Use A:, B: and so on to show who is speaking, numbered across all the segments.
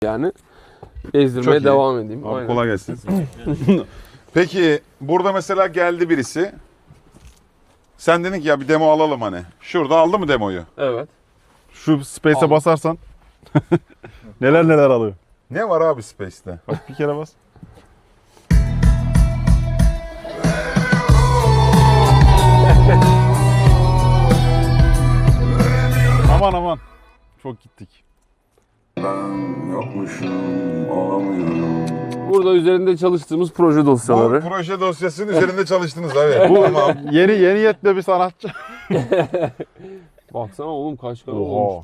A: yani. Gezdirmeye devam edeyim.
B: Abi kolay gelsin. Peki burada mesela geldi birisi. Sen dedin ki ya bir demo alalım hani. Şurada aldı mı demoyu?
A: Evet.
C: Şu space'e basarsan neler neler alıyor.
B: Ne var abi Space'te?
C: Bak bir kere bas. Aman aman. Çok gittik.
D: Ben yokmuşum, olamıyorum.
A: Burada üzerinde çalıştığımız proje
B: Bu
A: dosyaları.
B: proje dosyasının üzerinde çalıştınız abi.
C: Bu
B: Tamam.
C: yeni yetme bir sanatçı.
A: Baksana oğlum kaç kanal
C: Oha.
A: olmuş?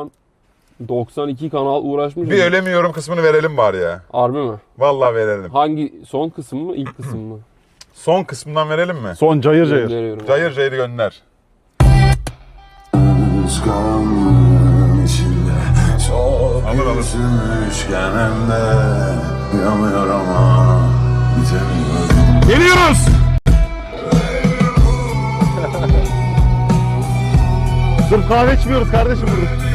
A: 92 kanal uğraşmış.
B: Bir ölemiyorum kısmını verelim bari ya.
A: Harbi mi?
B: Vallahi verelim.
A: Hangi son kısım mı, ilk kısım mı?
B: Son kısmından verelim mi?
C: Son cayır cayır.
A: Gönderiyorum.
B: Cayır cayır gönder.
D: Göz karanlığın içinde çok
B: Alır.
D: üzülmüşken hem de yanıyor ama bitemiyorum.
C: Geliyoruz. Sırf kahve içmiyoruz kardeşim burada.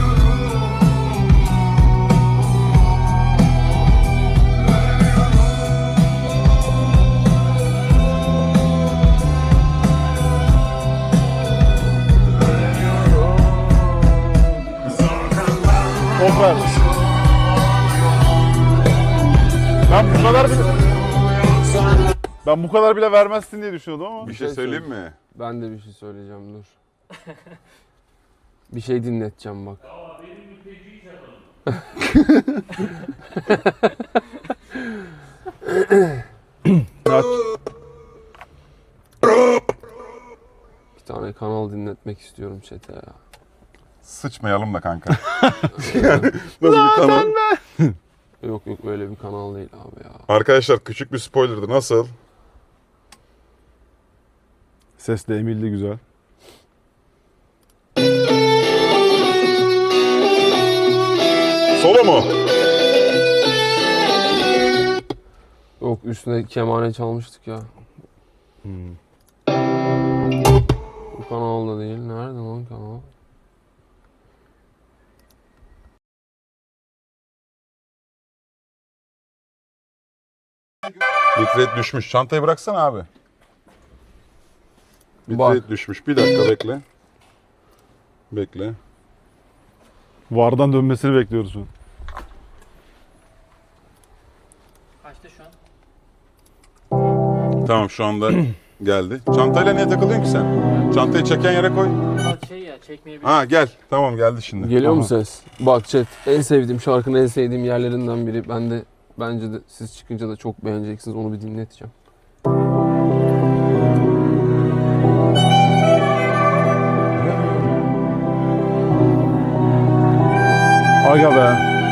C: Toplar. Ben bu kadar bile vermezsin diye düşünüyordum ama.
B: Bir şey söyleyeyim mi?
A: Ben de bir şey söyleyeceğim dur. Bir şey dinleteceğim bak.
C: Aç.
A: Bir tane kanal dinletmek istiyorum chat'e ya.
B: Sıçmayalım da kanka. Yani nasıl bir kanal?
A: Yok öyle bir kanal değil abi ya.
B: Arkadaşlar küçük bir spoilerdı. Nasıl?
C: Ses de emildi güzel.
B: Solo mu?
A: Yok üstüne kemane çalmıştık ya. Bu kanal da değil. Nerede lan kanal?
B: Bitrate düşmüş. Çantayı bıraksana abi.
A: Bak.
B: Bitrate düşmüş. Bir dakika bekle. Bekle.
C: VAR'dan dönmesini bekliyoruz şu an.
E: Kaçta şu an?
B: Tamam şu anda geldi. Çantayla niye takılıyorsun ki sen? Çantayı çeken yere koy.
E: Bak şey ya çekmeyebilir.
B: Ha gel. Tamam geldi şimdi.
A: Geliyor mu
C: Aha.
A: ses? Bak chat en sevdiğim şarkının en sevdiğim yerlerinden biri. Ben de bence de siz çıkınca da çok beğeneceksiniz. Onu bir dinleteceğim.
C: Aga be.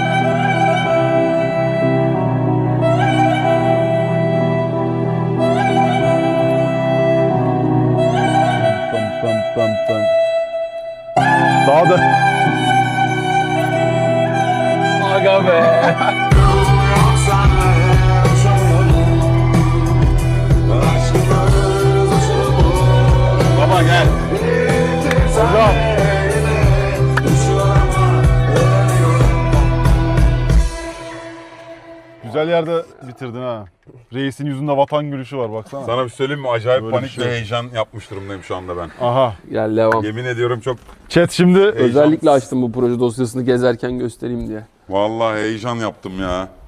C: Pam. Daha da.
A: Aga be.
B: Baba gel.
C: Hocam. Güzel yerde bitirdin ha. Reisin yüzünde vatan gülüşü var baksana.
B: Sana bir söyleyeyim mi? Acayip
C: Böyle bir
B: panik
C: şey
B: ve
C: yok.
B: heyecan yapmış durumdayım şu anda ben.
C: Aha.
A: Gel devam.
B: Yemin ediyorum çok
C: Chat şimdi
A: Özellikle açtım bu proje dosyasını gezerken göstereyim diye.
B: vallahi heyecan yaptım ya.